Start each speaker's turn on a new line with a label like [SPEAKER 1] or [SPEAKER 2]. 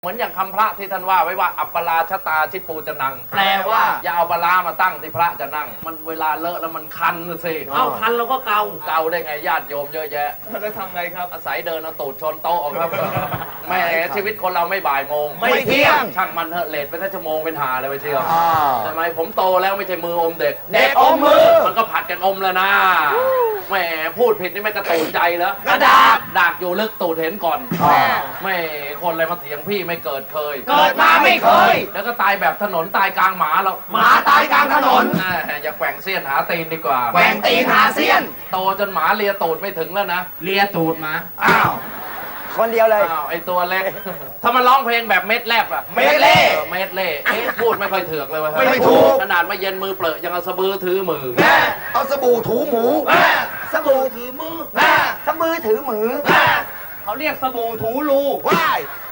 [SPEAKER 1] เหมือนอย่างคำพระที่ท่านว่าไว้ว่าอัปปราชตาชิปูจะนังแปลว่าอย่าเอาปลามาตั้งที่พระจะนั่งมันเวลาเลอะแล้วมันคันสิ
[SPEAKER 2] เอาคันเราก็เกา
[SPEAKER 1] ได้ไงญาติโยมเยอะแยะ
[SPEAKER 2] แล้วทำไงครับ
[SPEAKER 1] อาศัยเดินเอาตูดชนโต๊ะครับแม่ชีวิตคนเราไม่บ่ายโมง
[SPEAKER 2] ไม่เที่ยง
[SPEAKER 1] ช่างมันเถอะเลทไปแค่ชั่วโมงเป็นหาเลยไปเชียวทำไมผมโตแล้วไม่ใช่มืออมเด็ก
[SPEAKER 2] อมมือ
[SPEAKER 1] มันก็ผัดกันอมแล้วนะแม่พูดผิดนี่ไม่กระตูนใจแล้ว
[SPEAKER 2] กระดาษ
[SPEAKER 1] ดากอยู่ลึกตูดเห็นก่อนแม่คนอะไรมาเถียงพี่ไม่เกิดเคย
[SPEAKER 2] เกิดมาไม่เคย
[SPEAKER 1] แล้วก็ตายแบบถนนตายกลางหมาแล้ว
[SPEAKER 2] หมาตายกลางถนน
[SPEAKER 1] อย่าแกว่งเสี้ยนหาตีนดีกว่า
[SPEAKER 2] แกว่งตีนหาเสี้ยน
[SPEAKER 1] โตจนหมาเลียตูดไม่ถึงแล้วนะ
[SPEAKER 2] เลียตูดหมา
[SPEAKER 1] อ้าว
[SPEAKER 3] คนเดียวเลย
[SPEAKER 1] อ้าวไอตัวเล็กถ้ามันร้องเพลงแบบเม็ดแลบอะ
[SPEAKER 2] เม็ดเล่
[SPEAKER 1] พูดไม่ค่อยเถือกเลยว่ะ
[SPEAKER 2] ไม่ถูก
[SPEAKER 1] ขนาดมาเย็นมือเปรอะยังเอาสะบือถือมือ
[SPEAKER 3] เอาสบู่ถูหมู
[SPEAKER 2] สบู่ถือมือ
[SPEAKER 3] สะบือถือมือ
[SPEAKER 2] เขาเรียกสบู่ถูรู
[SPEAKER 3] ว้าย